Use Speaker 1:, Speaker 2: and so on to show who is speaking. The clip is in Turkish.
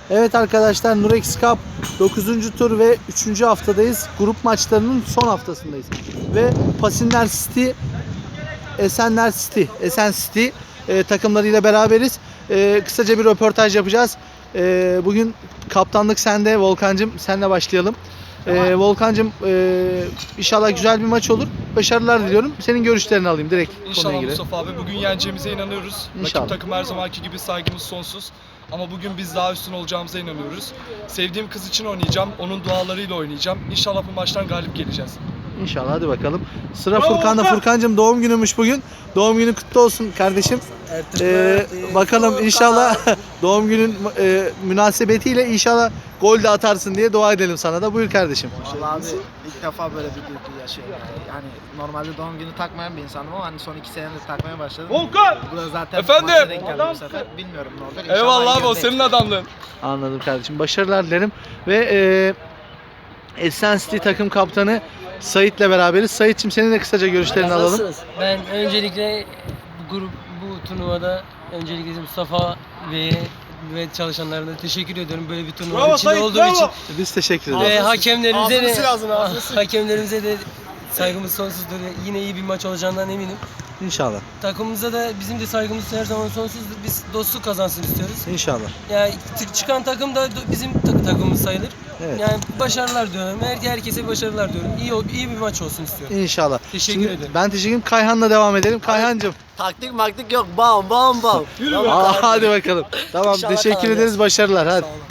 Speaker 1: Evet arkadaşlar, Nurex Cup 9. tur ve 3. haftadayız. Grup maçlarının son haftasındayız. Ve Pasinler City, Esen City takımlarıyla beraberiz. Kısaca bir röportaj yapacağız. Bugün kaptanlık sende Volkan'cığım. Senle başlayalım. Volkan'cığım, inşallah güzel bir maç olur. Başarılar diliyorum. Senin görüşlerini alayım direkt konuya
Speaker 2: İnşallah
Speaker 1: girelim.
Speaker 2: Mustafa abi. Bugün yeneceğimize inanıyoruz.
Speaker 1: İnşallah.
Speaker 2: Rakip takım her zamanki gibi saygımız sonsuz. Ama bugün biz daha üstün olacağımıza inanıyoruz. Sevdiğim kız için oynayacağım. Onun dualarıyla oynayacağım. İnşallah bu maçtan galip geleceğiz.
Speaker 1: İnşallah, hadi bakalım. Sıra Furkan'da. Furkan'cığım, doğum günümüş bugün. Doğum günün kutlu olsun kardeşim. Bakalım inşallah doğum günün münasebetiyle inşallah gol de atarsın diye dua edelim sana da. Buyur kardeşim.
Speaker 3: Vallahi abi ilk defa böyle bir duygu yaşıyorum. Yani normalde doğum günü takmayan bir insanım ama hani son 2 senedir takmaya başladım.
Speaker 2: Volkan!
Speaker 3: Bu da zaten
Speaker 2: Efendim?
Speaker 3: maça denk geldi bu sefer. Bilmiyorum ne olur. İnşallah
Speaker 2: Eyvallah abi, o
Speaker 3: iyi
Speaker 2: senin adamlığın.
Speaker 1: Anladım kardeşim. Başarılar dilerim. Ve Esen City takım kaptanı Sait'le beraberiz. Sait'cim, senin de kısaca görüşlerini alalım.
Speaker 4: Nasılsınız? Ben öncelikle bu turnuvada öncelikle Mustafa ve çalışanlarına teşekkür ediyorum böyle bir turnuvanın içinde olduğu için.
Speaker 1: Biz teşekkür ederiz.
Speaker 4: Ve hakemlerimize de saygımız sonsuzdur. Yine iyi bir maç olacağından eminim.
Speaker 1: İnşallah.
Speaker 4: Takımımıza da bizim de saygımız her zaman sonsuzdur. Biz dostluk kazansın istiyoruz.
Speaker 1: İnşallah.
Speaker 4: Yani çıkan takım da bizim takımımız sayılır.
Speaker 1: Evet.
Speaker 4: Yani başarılar diyorum. Herkese başarılar diyorum. İyi bir maç olsun istiyorum.
Speaker 1: İnşallah.
Speaker 4: Teşekkür ederim.
Speaker 1: Ben teşekkür ederim. Kayhan'la devam edelim. Kayhan'cım.
Speaker 3: Taktik maktik yok. Bam bam bam.
Speaker 1: Hadi bakalım. Tamam,
Speaker 3: İnşallah
Speaker 1: teşekkür
Speaker 3: kazanacağız.
Speaker 1: ederiz. Başarılar. Hadi.